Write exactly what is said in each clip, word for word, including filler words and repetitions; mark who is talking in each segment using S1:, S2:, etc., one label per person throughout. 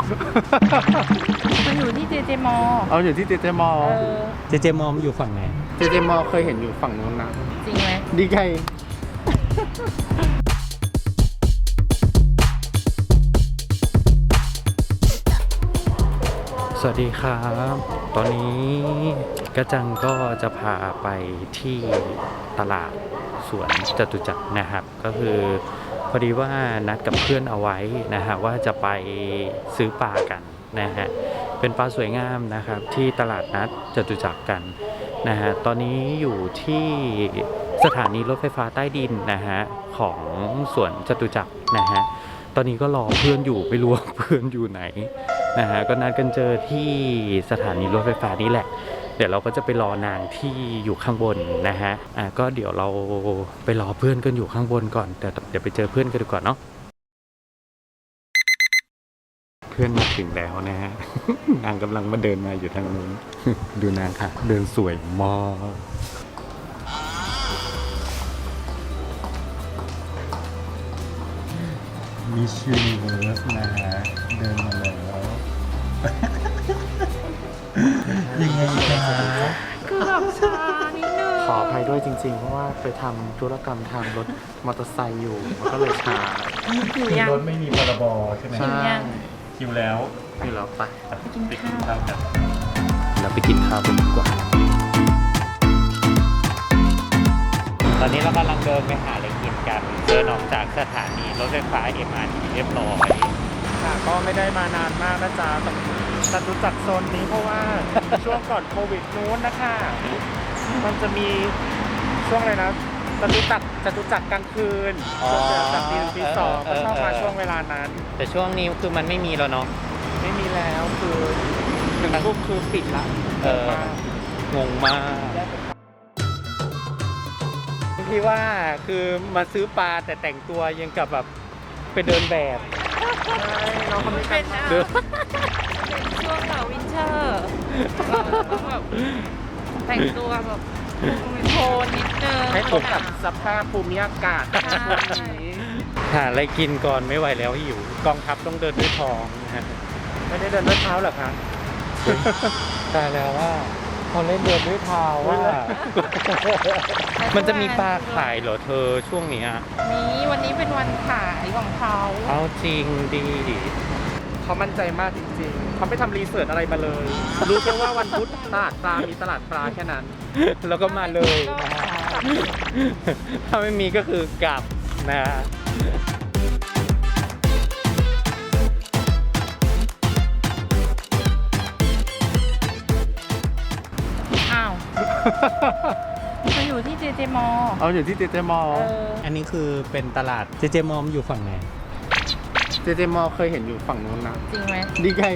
S1: มันอยู่ที่เจเจมอ
S2: เอาอยู่ที่เจเจมอ
S1: เออ
S3: เจเจมอมอยู่ฝั่งไหน
S2: เจเจมอเคยเห็นอยู่ฝั่งนู้นนะ
S1: จริงไหม
S2: ดีไง
S3: สวัสดีครับ ตอนนี้กระจังก็จะพาไปที่ตลาดสวนจตุจักรนะครับ ก็คือพอดีว่านัดกับเพื่อนเอาไว้นะฮะว่าจะไปซื้อปลากันนะฮะเป็นปลาสวยงามนะครับที่ตลาดนัดจตุจักรกันนะฮะตอนนี้อยู่ที่สถานีรถไฟฟ้าใต้ดินนะฮะของสวนจตุจักรนะฮะตอนนี้ก็รอเพื่อนอยู่ไม่รู้ว่าเพื่อนอยู่ไหนนะฮะก็นัดกันเจอที่สถานีรถไฟฟ้านี่แหละเดี๋ยวเราก็จะไปรอนางที่อยู่ข้างบนนะฮะอ่ะก็เดี๋ยวเราไปรอเพื่อนกันอยู่ข้างบนก่อนแต่เดี๋ยวไปเจอเพื่อนกันดีกว่าเนาะเพื่อนมาถึงแล้วนะฮะ นางกำลังมาเดินมาอยู่ทางนู้น ดูนางค่ะ เดินสวยมากมิสยูนิเวิร์สนะฮะเดินมาแล้ว ยังไงคะ
S1: คือแบบช้านิดนึง
S2: ขออภัยด้วยจริงๆ เพราะว่าไปทำธุรกรรมทางรถมอเตอร์ไซค์อยู่มันก็เลยช้า
S1: หิวยัง
S3: รถไม่มีพรบใช่ไหม
S1: หิวยัง
S3: คิวแล้ว
S2: อยู่แล้วไป
S1: ไปกินข้าว
S3: กันเราไปกินข้าวกันดีกว่าตอนนี้เรากำลังเดินไปหาอะไรกินกันเดินออกจากสถานีรถไฟฟ้า เอ็ม อาร์ ที เรียบร้อย
S2: ค่ะก็ไม่ได้มานานมากนะจ๊ะจตุจักรโซนนี้เพราะว่า ช่วงก่อนโควิดนู้นนะคะมันจะมีช่วงอะไรนะจตุจักรจตุจักรกลางคืนช่วงเดือนจากปีปีสองก็ชอบมาช่วงเวลานั้น
S3: แต่ช่วงนี้คือมันไม่มีแล้วเนาะ
S2: ไม่มีแล้วคือหนึ่งทุ่มคือปิดละ
S3: เออ งงมากพี่ว่าคือมาซื้อปลาแต่แต่งตัวยังกับแบบไปเดินแบบ
S2: เราคนไม่
S1: เป็
S2: เป็น น
S1: นะ
S3: เดิน
S1: ช่วงแบบวินเทอร์เราต้องแบบแต่งตัวแบบโทนนิดนึง
S2: ให้ตกกับสภาพภูมิอากาศ
S1: ใช่
S2: ช่วงนี้
S3: หาอะไรกินก่อนไม่ไหวแล้วหิวกองทัพต้องเดินด้วยท้องนะฮะ
S2: ไม่ได้เดินด้วยเท้าเหรอคะ
S3: ตายแล้วว่าเขาเล่นเดินด้วยเท้าว่า มันจะมีปลาขายเหรอเธอช่วงนี้
S1: นี้วันนี้เป็นวันขายของเขา
S3: เอาจริงดี
S2: เขามั่นใจมากจริงๆเขาไม่ทำรีเสิร์ชอะไรมาเลย รู้แค่ว่าวันพุธตลาดปลา มีตลาดปลาแค่นั้น
S3: แล้วก็มาเลยนะฮะถ้าไม่มีก็คือกลับนะฮะ
S1: อ้าวมันอยู่ที่เจเจมอ
S2: เอาอยู่ที่เจเจมอ
S1: เออ
S3: อันนี้คือเป็นตลาดเจเจมอมอยู่ฝั่งไหน
S2: เจเจมอเคยเห็นอยู่ฝั่งนู้นนะ
S1: จริงไหม
S2: ดีไง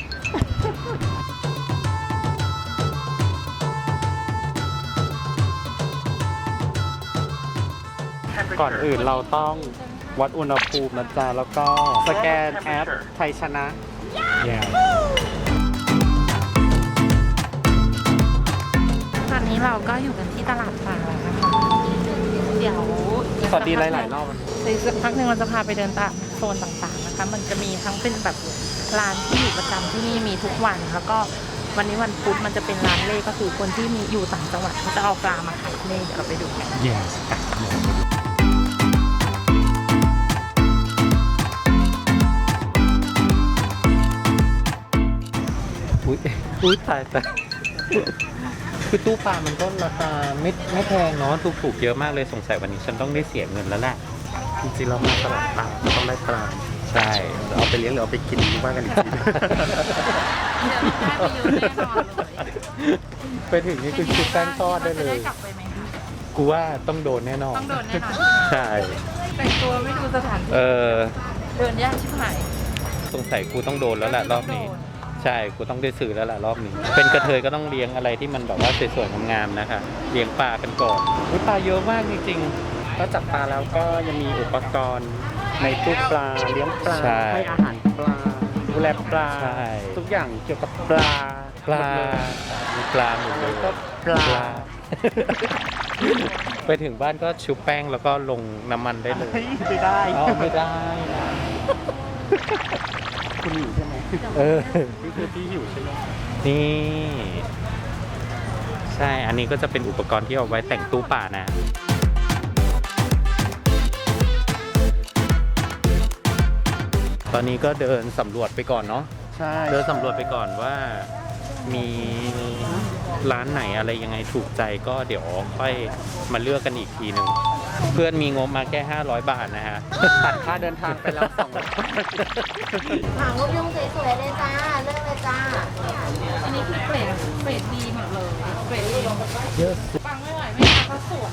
S2: ก่อนอื่นเราต้องวัดอุณหภูมินะจ๊ะแล้วก็สแกนแอปไทยชนะ
S3: yeah.
S1: ตอนนี้เราก็อยู่กันที่ตลาดปลาแล้วนะคะ เดี๋ยว
S2: สวัสดีหลายๆรอบ
S1: ในสักพักหนึ่งเราจะพาไปเดินตลาดโซนต่างๆนะคะ มันจะมีทั้งเป็นแบบร้านที่อยู่ประจำที่นี่มีทุกวัน แล้วก็วันนี้วันพุธมันจะเป็นร้านเล่ก็คือคนที่มีอยู่ต่างจังหวัดเขาจะเอาปลามาขายเล่เดี๋ยวเราไปดูกัน
S3: yes อุ้ยอุ้ยตายตายคือตู้ปลามันก็ราคาไม่ไม่แพงเนาะถูกๆเยอะมากเลยสงสัยวันนี้ฉันต้องได้เสียเงินแล้วแหละ
S2: จริงๆเรามาตลาดปลาเราต้องได้ปลา
S3: ใช่
S2: เอาไปเลี้ยงหรือเอาไปกินว่ากันอีกที
S1: เดี๋ยวเราได้ไปเยอะแน่นอนเลย
S3: ไปถึงนี่คือชุบแป้งทอดได้เลย
S1: จะกลับไปไหม
S3: กูว่าต้องโดนแน่นอน
S1: ต้องโดนแน่นอน
S3: ใช่
S1: แต่งตัวไม่ดูสถานที่
S3: เออ
S1: เดินยากชิบหาย
S3: สงสัยกูต้องโดนแล้วแหละรอบนี้ ใช่กูต้องได้ซื้อแล้วแหละรอบนี้ เป็นกระเทยก็ต้องเลี้ยงอะไรที่มันแบบว่าสวยๆงามๆนะคะเลี้ยงปลากันก่อนอุ๊ยปลาเยอะมากจริง
S2: ก็จับปลาแล้วก็ยังมีอุปกรณ์ในตู้ปลาเลี้ยงปลา
S3: ใช่
S2: ให้อาหารปลาดูแลปลา
S3: ใช่
S2: ทุกอย่างเกี่ยวกับปลา
S3: ๆ ปลา
S2: หมดเลย
S3: มีปลาหมดเลย
S2: ก็ปลา
S3: ไปถึงบ้านก็ชุบแป้งแล้วก็ลงน้ำมันได้เลย
S2: เฮ้ยไม่ได้
S3: อ๋อไม่ได้นะ
S2: คุณอยู่ใช่ไหม
S3: เออ
S2: นี่คือพี่หิวใช่ไหม
S3: นี่ ใช่ อันนี้ก็จะเป็นอุปกรณ์ที่เอาไว้แต่งตู้ป่านะ ตอนนี้ก็เดินสำรวจไปก่อนเนาะ
S2: ใช่
S3: เดินสำรวจไปก่อนว่ามีร้านไหนอะไรยังไงถูกใจก็เดี๋ยวค่อยมาเลือกกันอีกทีหนึ่ง เพื่อนมีงบมาแค่ห้าร้อยบาทนะฮะ
S2: ตัดค่าเดินทางไปแล้วสอง
S4: ถามรูปยุ่งสวยๆเลยจ้า เลือกเลยจ้า
S1: อันนี้คือเกรดเกรดดีหมดเลยเกรดดี
S3: เยอะ
S1: ฟังไม่ไหวไม่มาก็สวย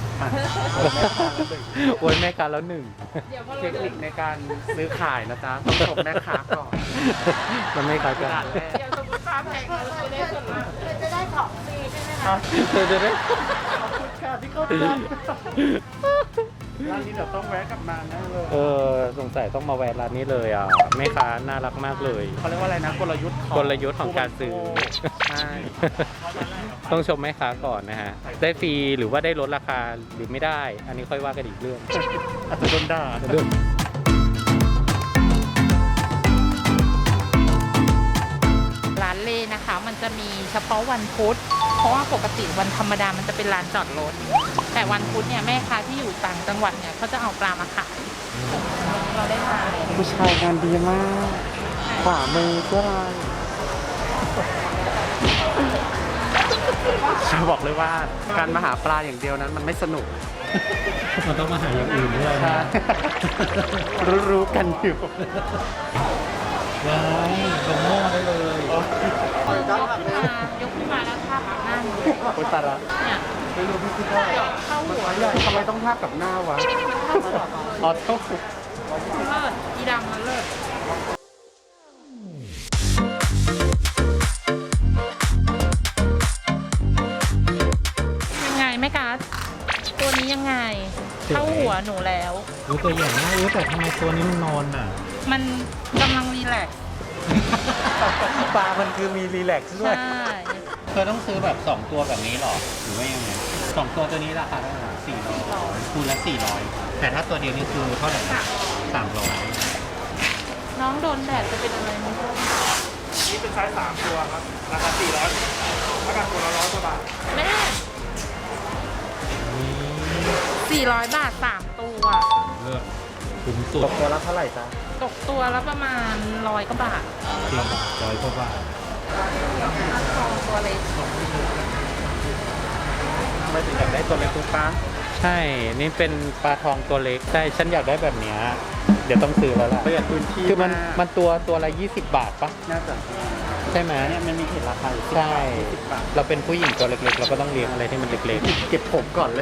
S3: โอ้ยแม่ค้าแล้วหนึ่ง
S1: เดี๋ยวพอ
S2: เท
S1: เรา
S2: คนิคในการซื้อขายนะจ๊ะต้องชมแม่ค้าก่อน
S3: มันไม่ค้ากัน
S2: ด่านแรก
S1: เดี๋ยวสมมติฟ้าแพงเราจะได้ส่วนลด
S4: เธอจะได้ของฟรีใช่ไหมคะ
S3: เดี๋ยวเดี๋ยวเดี๋ยว
S2: ค่ะที่เขาทำร้านนี้เดี๋ยวต้องแวะกลับมาแน่เลย
S3: เออสงสัยต้องมาแวะร้านนี้เลยอ่ะแม่ค้าน่ารักมากเลย
S2: เขาเรียกว่าอะไรนะกลยุทธ์ของ
S3: กลยุทธ์ของการซื้อ
S2: ใช่
S3: ต้องชมแม่ค้าก่อนนะฮะ ได้ฟรีหรือว่าได้ลดราคาหรือไม่ได้ อันนี้ค่อยว่ากันอีกเรื่อง
S2: อาจจะโดนด่า
S3: เรื่อง
S1: ร้านเล่นะคะ มันจะมีเฉพาะวันพุธ เพราะว่าปกติวันธรรมดามันจะเป็นร้านจอดรถ แต่วันพุธเนี่ยแม่ค้าที่อยู่ต่างจังหวัดเนี่ยเขาจะเอาปลามาขายเราได้มาเลย
S2: ผู้ชายงานดีมาก ขวามือเพื่ออะไรจะบอกเลยว่าการมาหาปลาอย่างเดียวนั้นมันไม่สนุก
S3: มันต้องมาหาอย่างอื่นด้วย
S2: ใช่ รู้ๆกันอยู่
S3: ว้ายลงหม้อได้เลย
S1: ยกขึ้นมายกขึ้นมาแล้วทาบกับหน้าหนู
S2: โอ้ยตายละ
S1: เนี่ย
S2: ไม่รู้พี่คิดว่า
S1: เข้าหัว
S2: ทำไมต้องทาบกับหน้าวะอ๋อเท่า
S1: เลิศอีดำมันเลิศยังไงแม่กัสตัวนี้ยังไง เข้าหัวหนูแล้ว
S3: รู้ตัวใหญ่มากรู้แต่ทำไมตัวนี้มันนอนอ่ะ
S1: มันกำลังรีแลกซ์
S2: ปลามันคือมีรีแลกซ์ด้วย
S1: ใช่
S3: เธอต้องซื้อแบบสองตัวแบบนี้หรอ หรือว่ายังไงสองตัวตัวนี้ราคาเท่าไหร่สี่ร้อยคูณละสี่ร้อยแต่ถ้าตัวเดียวนี่คือเท่าไหร่นะสามร้อย
S1: น้องโดนแดดจะเป็นอะไรไหม
S2: นี่เป็นไซส์สามตัวครับ ราคาสี่ร้อยราคาตัวละร้อยกว่าบาท
S1: แม่สี่ร้อยบาทสามตัว
S3: เลือกคุ้มสุ
S2: ต
S3: ด
S2: กตัวละเท่าไหร่จ๊ะ
S1: ตกตัวละประมาณร้อยกว่าบาท
S3: จริงร้อยกว่าบาท
S1: ทองตัวเล็ก
S2: ทำไมถึงอยากได้ตัวเล็กตุ๊กตา
S3: ใช่ นี่เป็นปลาทองตัวเล็ก ใช่ ฉันอยากได้แบบเนี้ยเดี๋ยวต้องซื้อแล้วล่ะ
S2: ประหยัดพื้นที่
S3: คือมัน
S2: าก
S3: มันตัวตัวละยี่สิบบาทปะ
S2: น่าจะ
S3: ใช่ไหม
S2: เนี่ยมันมีเห็นราคาอยู่สิบ
S3: ใช่
S2: บาทยี่สิบบาท
S3: เราเป็นผู้หญิงตัวเล็กๆ เราก็ต้องเลี้ยงอะไรที่มันเล็ก
S2: เก็บผมก่อนเลย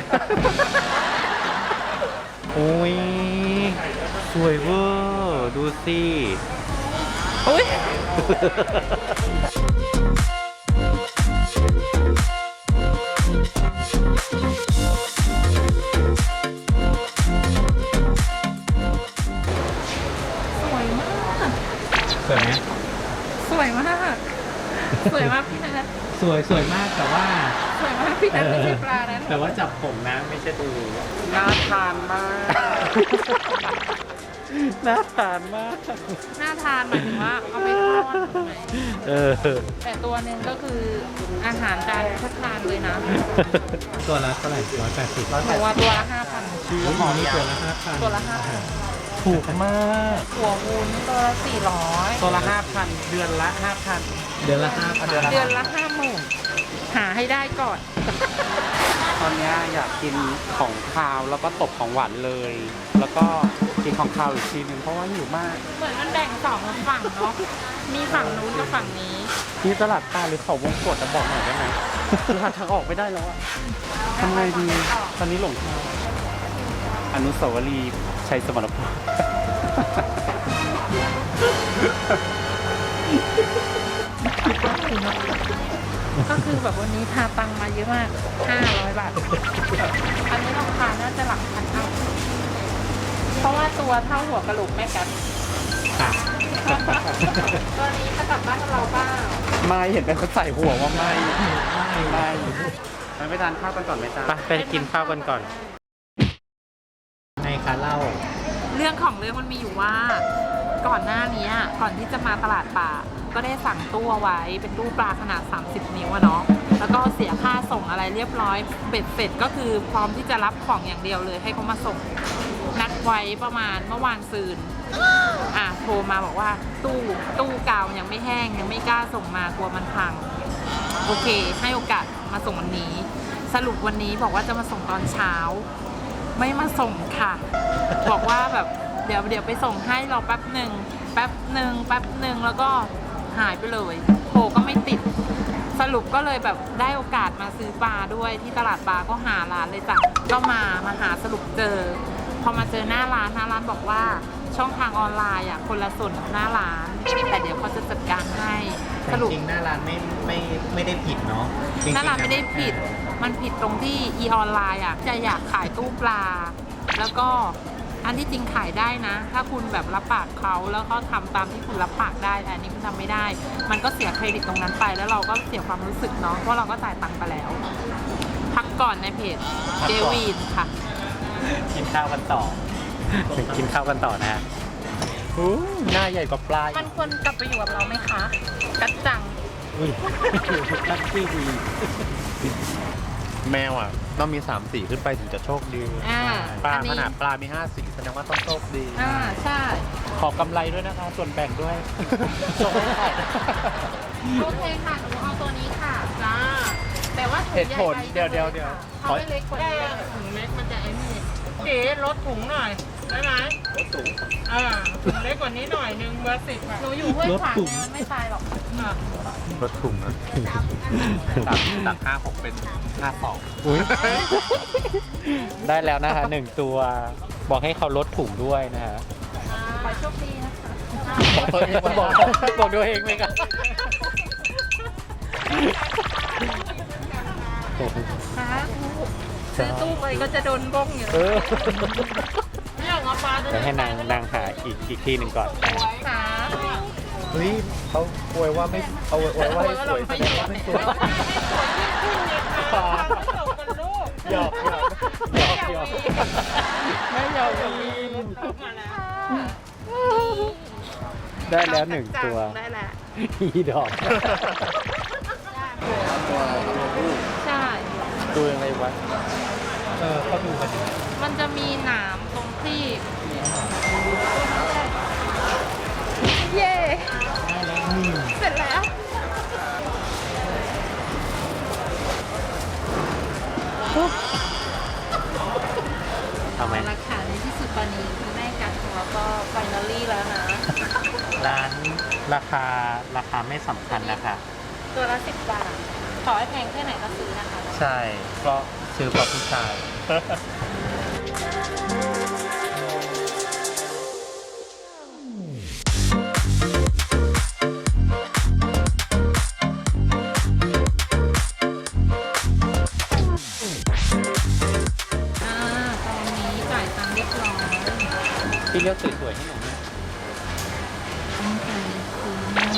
S3: ๆ โอ้ย สวยเวอร์ดูสิ
S1: อุ้ยสวยมาก
S3: สวยไหม
S1: สวยมาก สวยมากพี่นัท
S3: สวยสวยมากแต่ว่า
S1: สวยมากพี่นัทไม่ใช่ปลานั้น
S3: แต่ว่าจับผมนะไม่ใช่ดู
S2: น่าทานมาก
S3: น่าทานมาก
S1: น่าทานหมายถึงว่าเอาไปทอดใช่ไหม
S3: เออ
S1: แต่ตัวหนึ่งก็คืออาหารจานพัฒนานเลยนะ
S3: ตัวละเท่าไหร่ร้อยแปดสิบ
S1: หนูว่าตัวละห้าพัน
S3: หมอนี่ตัวละห้าพัน
S1: ตัวละห้าพัน
S2: ถูกมาก
S1: หัววุ้นตัวละสี่ร้อย
S2: ตัวละห้าพันเดือนละห้าพัน
S3: เดือนละห้าพัน
S2: เดือนละ
S1: เดือนละห้าหมื่นหาให้ได้ก่อน
S2: ตอนเนี้ยอยากกินของคาวแล้วก็ตบของหวานเลย แล้วก็กินของคาวอีกทีหนึงเพราะว่าหิวมาก
S1: เหมือนมันแบ่งสองฝั่งเนาะ มีฝั่งนู้นกับฝั่งนี้
S2: นี่ตลาดปลาหรือเขาวงกดจะบอกหน่อยได้ไหม หาทางออกไม่ได้แล้วอะทำไงดี ตอนนี้หลงทางอนุสาวรีย์ชัยสมรภูมิ
S1: ก็คือแบบวันนี้พาตังค์มาเยอะมาก ห้าร้อยบาท อันนี้ราคาน่าจะหลักพันเอาเพราะว่าตัวเท่าหัวกระโหลกแม่กัน
S3: ค่ะ
S1: ตัวนี้จะกลับบ้านกับเราเปล่า
S2: ไม่เห็นเป็นคนใส่หัวว่าไม่ไม่ไม่ไปทานข้าวกันก่อนไหมจ๊ะ
S3: ไปไปกินข้าวกันก่อนให้คะเล่า
S1: เรื่องของเรื่องมันมีอยู่ว่าก่อนหน้านี้ก่อนที่จะมาตลาดป่าก็ได้สั่งตู้เอาไว้เป็นตู้ปลาขนาดสามสิบนิ้วอะเนาะแล้วก็เสียค่าส่งอะไรเรียบร้อยเบ็ดเสร็จก็คือพร้อมที่จะรับของอย่างเดียวเลยให้เขามาส่งนัดไว้ประมาณเมื่อวานซืนอ่ะโทรมาบอกว่าตู้ตู้กาวยังไม่แห้งยังไม่กล้าส่งมากลัวมันพังโอเคให้โอกาสมาส่งวันนี้สรุปวันนี้บอกว่าจะมาส่งตอนเช้าไม่มาส่งค่ะ บอกว่าแบบเดี๋ยวเดี๋ยวไปส่งให้เราแป๊บหนึ่งแป๊บหนึ่งแป๊บหนึ่งแล้วก็หายไปเลยโทรก็ไม่ติดสรุปก็เลยแบบได้โอกาสมาซื้อปลาด้วยที่ตลาดปลาก็หาร้านเลยจ้ะก็มามาหาสรุปเจอพอมาเจอหน้าร้านหน้าร้านบอกว่าช่องทางออนไลน์อ่ะคนละส่วนหน้าร้านแต่เดี๋ยวเขาจะจัดการให้สรุป
S5: จริงๆหน้าร้านไม่ไม่ไม่ได้ผิดเนาะจงๆ
S1: หน้าร้านไม่ได้ผิดมันผิดตรงที่อีออนไลน์อ่ะจะอยากขายตู้ปลาแล้วก็อันที่จริงขายได้นะถ้าคุณแบบรับปากเขาแล้วเขาทำตามที่คุณรับปากได้แต่อันนี้คุณทำไม่ได้มันก็เสียเครดิตตรงนั้นไปแล้วเราก็เสียความรู้สึกเนาะเพราะเราก็จ่ายตังค์ไปแล้วพักก่อนในเพจเจวีนค่ะ
S3: กินข้าวกันต่อ กินข้าวกันต่อนะฮะอู้หน้าใหญ่กว่าปลา
S1: มันควรกลับไปอยู่กับเราไหมคะกัดจัง
S3: อุ้ยตักซี่วี
S5: แมวอ่ะต้องมีสามสีขึ้นไปถึงจะโชคดี
S1: อ่า
S5: ปลา
S1: อันนี้
S5: ขนาดปลามีห้าสีแสดงว่าต้องโชคดี
S1: อ่าใช่
S3: ขอกำไรด้วยนะคะ ส่วนแบ่งด้วยส่งให้ใคร
S1: โอเคค่ะหนูเอาตัวนี้ค่ะจ้าแต่ว่าถุง
S5: เหตุ
S1: ใหญ่
S5: ผล
S1: ไป
S5: เดี๋ยวเดี๋ยวเดี๋ยว
S1: เขาไม่เล็กกว่านี้ถุงเล็กมันจะไอ้นี่เก๋ลดถุงหน่อยได้ไหมลดถุงอ่าถุงเล็กกว่านี้หน่อยนึงเบอร์สิบหนูอยู่ห้วยขวางไงมันไม่ตายหรอกอ่ะ
S5: รถถุงนะตักตักห้าหกเป็นห้าสอง
S3: อุ้ยได้แล้วนะคะหนึ่งตัว บอกให้เขาลดถุงด้วยนะฮะ
S1: ขอโชคดีนะคะ
S5: บอกตัวเอง
S3: บอกบอกตัวเองไหมครับ
S1: ค่ะซื้อตู้ไปก็จะโดนบ้งอยู่
S3: เออ
S1: ไม่อยากเอาปลาตัว
S3: เดี๋ยวให้นางนางหาอีกอีกที่หนึ่งก่อนนะฮะ
S1: ค่ะ
S5: เฮ้ยเขาอวยว่าไม่เอาอวยว่าให้สวยแสดงว่าไม่สวย
S3: หยอกหยอกหยอกหยอกไม่หยอกวีนได้แล้วหนึ่งตัว
S1: ได้แล้ว
S3: อีดอก
S1: ใช่
S3: ดูยังไงวะ
S5: เออเขาดูมาดี
S1: มันจะมีหนามตรงที่ เย่เสร็จแล้ว
S3: เอาไหม
S1: ราคาในที่สุดตอนนี้คุณแม่กัดของเราก็ไฟนอลลี่แล้วนะ
S3: ร้านราคาราคาไม่สำคัญนะคะ
S1: ตัวละสิบบาท ขอให้แพงแค่ไหนก็ซื้อนะคะ
S5: ใช่ ก็ซื้อกับผู้ชาย
S1: อ่า ตอนนี้จ่ายตังค์เรียบร้อย
S3: พี่เลือกสวยๆให้หนูนะ
S1: ต้องไปซื้อ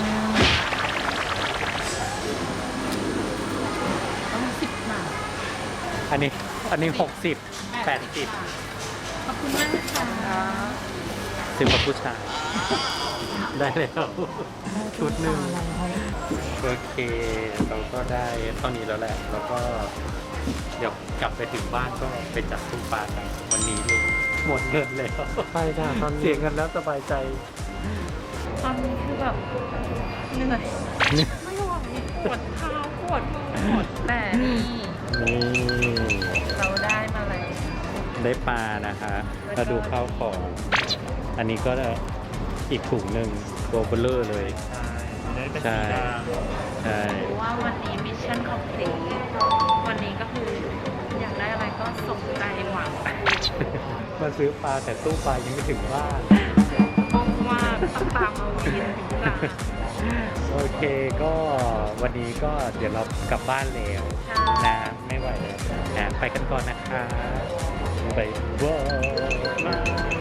S1: ต้องสิบบาท
S3: อันนี้อันนี้หกสิบแปดสิบ
S1: ขอบคุณมากนะคะ
S3: ซื้อกับผู้ชาย ได้แล้วชุดหนึ่งโอเค เราก็ได้เท่านี้แล้วแหละ แล้วก็เดี๋ยวกลับไปถึงบ้านก็ไปจัดตู้ปลากันวันนี้เลยหมดเงินแล้ว
S5: ไปจ้าตอนนี้
S3: เสียเงินแล้วสบายใจ
S1: ตอนนี้คือแบบเหนื่อยไม่ไหวปวดเท้าปวดมือปวดแต่นี่
S3: นี่
S1: เราได้มาแล้ว
S3: ได้ปลานะคะมาดูข้าวของ อันนี้ก็อีกถุงหนึ่งตัวเบลเลอร์เลย
S5: ได้เป็น
S3: ใช่
S5: สีด
S3: ใช่
S1: รู้ว่าวันนี้มิชชั่นคอมพลีทวันนี้ก็คืออยากได้อะไรก็สมใจหวัง
S3: มาซื้อปลาแต่ตู้ปลายังไม่ถึงบ้าน
S1: ต้องว่าต้องตามมาวีนถึงร้าน
S3: โอเคก็วันนี้ก็เดี๋ยวเรากลับบ้านแล้วนะไม่ไหวแล้วนะไปกันก่อนนะคะไปบาย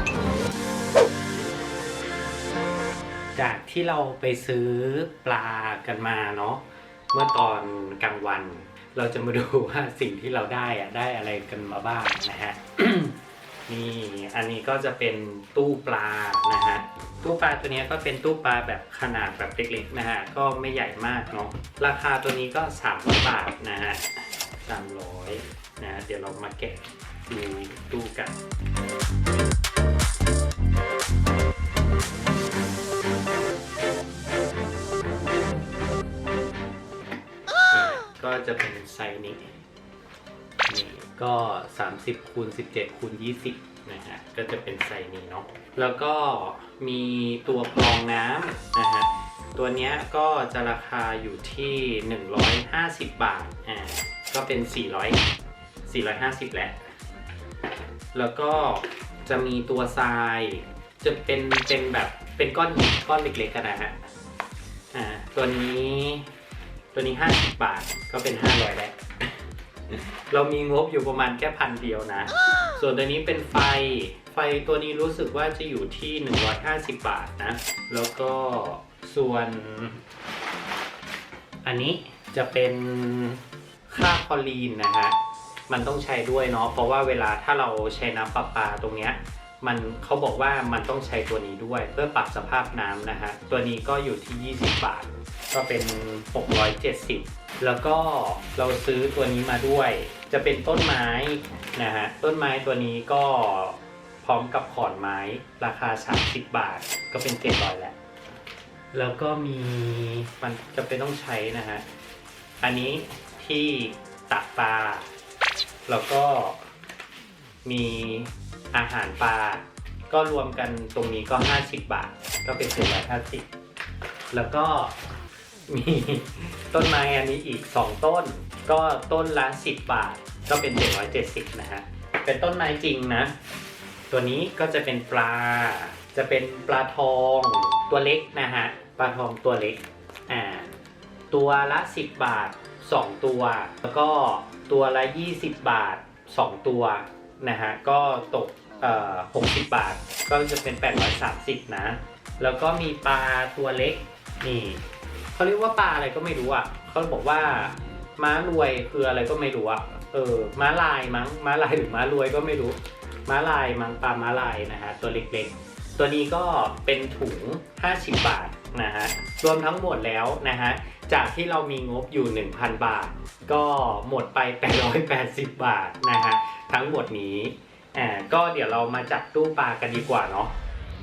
S3: จากที่เราไปซื้อปลากันมาเนาะเมื่อตอนกลางวัน เราจะมาดูว่าสิ่งที่เราได้อะได้อะไรกันมาบ้างนะฮะ นี่อันนี้ก็จะเป็นตู้ปลานะฮะตู้ปลาตัวนี้ก็เป็นตู้ปลาแบบขนาดแบบเล็กๆนะฮะก็ไม่ใหญ่มากเนาะราคาตัวนี้ก็สามร้อยบาทนะฮะสามร้อยนะเดี๋ยวเรามาแกะดูตู้กันก็จะเป็นไซส์นี้นี่ก็สามสิบคูณสิบเจ็ดคูณยี่สิบนะฮะก็จะเป็นไซส์นี้เนาะแล้วก็มีตัวกรองน้ำนะฮะตัวเนี้ยก็จะราคาอยู่ที่หนึ่งร้อยห้าสิบบาทอ่าก็เป็นสี่ร้อย สี่ร้อยห้าสิบแหละแล้วก็จะมีตัวทรายจะเป็นเป็นแบบเป็นก้อนหินก้อนเล็กๆกันนะฮะอ่าตัวนี้ตัวนี้ห้าสิบบาทก็เป็นห้าร้อยแล้ว เรามีงบอยู่ประมาณแค่พันเดียวนะ ส่วนตัวนี้เป็นไฟ ไฟตัวนี้รู้สึกว่าจะอยู่ที่หนึ่งร้อยห้าสิบบาทนะ แล้วก็ส่วนอันนี้จะเป็นค่าคลอรีนนะฮะ มันต้องใช้ด้วยเนาะ เพราะว่าเวลาถ้าเราใช้น้ำประปาตรงเนี้ย มันเขาบอกว่ามันต้องใช้ตัวนี้ด้วยเพื่อปรับสภาพน้ำนะฮะ ตัวนี้ก็อยู่ที่ยี่สิบบาท ก็เป็นหกร้อยเจ็ดสิบแล้วก็เราซื้อตัวนี้มาด้วยจะเป็นต้นไม้นะฮะต้นไม้ตัวนี้ก็พร้อมกับขอนไม้ราคาสามสิบบาทก็เป็นเจ็ดร้อยแล้วแล้วก็มีมันจะเป็นต้องใช้นะฮะอันนี้ที่ตักปลาแล้วก็มีอาหารปลาก็รวมกันตรงนี้ก็ห้าสิบบาทก็เป็นเจ็ดร้อยห้าสิบแล้วก็มีต้นไม้อันนี้อีกสองต้นก็ต้นละสิบบาทก็เป็นเจ็ดร้อยเจ็ดสิบนะฮะเป็นต้นไม้จริงนะตัวนี้ก็จะเป็นปลาจะเป็นปลาทองตัวเล็กนะฮะปลาทองตัวเล็กอ่าตัวละสิบบาทสองตัวแล้วก็ตัวละยี่สิบบาทสองตัวนะฮะก็ตกเอ่อหกสิบบาทก็จะเป็นแปดร้อยสามสิบนะแล้วก็มีปลาตัวเล็กนี่เขาเรียกว่าปลาอะไรก็ไม่รู้อ่ะเขาบอกว่าม้ารวยคืออะไรก็ไม่รู้อ่ะเออม้าลายมั้งม้าลายหรือม้ารวยก็ไม่รู้ม้าลายมั้งปลาม้าลายนะฮะตัวเล็กๆตัวนี้ก็เป็นถุงห้าสิบบาทนะฮะรวมทั้งหมดแล้วนะฮะจากที่เรามีงบอยู่ หนึ่งพัน บาทก็หมดไปแปดร้อยแปดสิบบาทนะฮะทั้งหมดนี้อ่าก็เดี๋ยวเรามาจัดตู้ปลากันดีกว่าเนาะ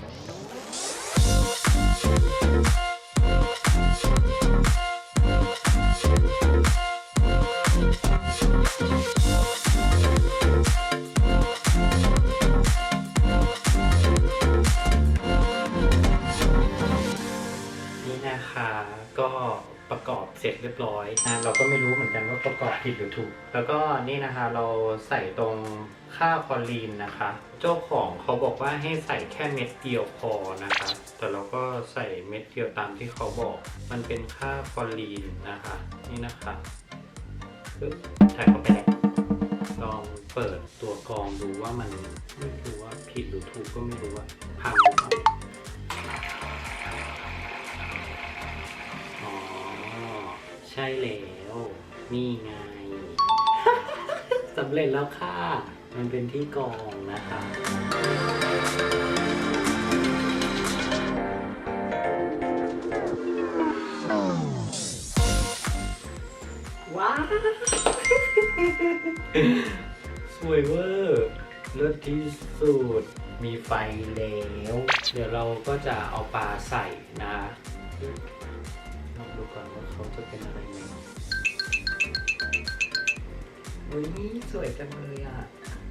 S3: ก็ประกอบเสร็จเรียบร้อยนะเราก็ไม่รู้เหมือนกันว่าประกอบผิดหรือถูกแล้วก็นี่นะคะเราใส่ตรงค่าคลอรีนนะคะเจ้าของเขาบอกว่าให้ใส่แค่เม็ดเดียวพอนะคะแต่เราก็ใส่เม็ดเดียวตามที่เขาบอกมันเป็นค่าคลอรีนนะคะนี่นะคะปึ๊บใส่เข้าไปแล้วลองเปิดตัวกรองดูว่ามันไม่รู้ว่าผิดหรือถูกก็ไม่รู้ว่าพังหรือเปล่าใช่แล้วนี่ไง สำเร็จแล้วค่ะมันเป็นที่กรองนะคะว้าว สวยเวอร์เลิศที่สุดมีไฟแล้วเดี๋ยวเราก็จะเอาปลาใส่นะลองดูก่อนว่าเขาจะเป็นอะไรไหมอุ้ยสวยจังเลยอ่ะ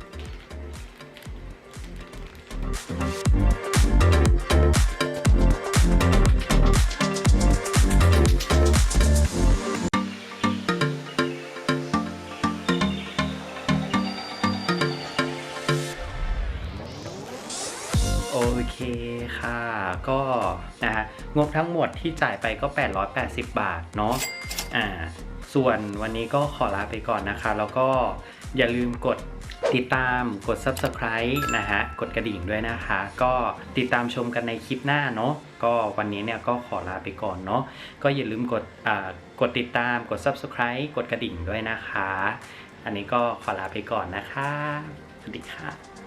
S3: โอเคค่ะก็นะฮะงบทั้งหมดที่จ่ายไปก็แปดร้อยแปดสิบบาทเนาะอ่าส่วนวันนี้ก็ขอลาไปก่อนนะคะแล้วก็อย่าลืมกดติดตามกด ซับสไครบ์ นะฮะกดกระดิ่งด้วยนะคะก็ติดตามชมกันในคลิปหน้าเนาะก็วันนี้เนี่ยก็ขอลาไปก่อนเนาะก็อย่าลืมกดอ่ากดติดตามกด ซับสไครบ์ กดกระดิ่งด้วยนะคะอันนี้ก็ขอลาไปก่อนนะคะสวัสดีค่ะ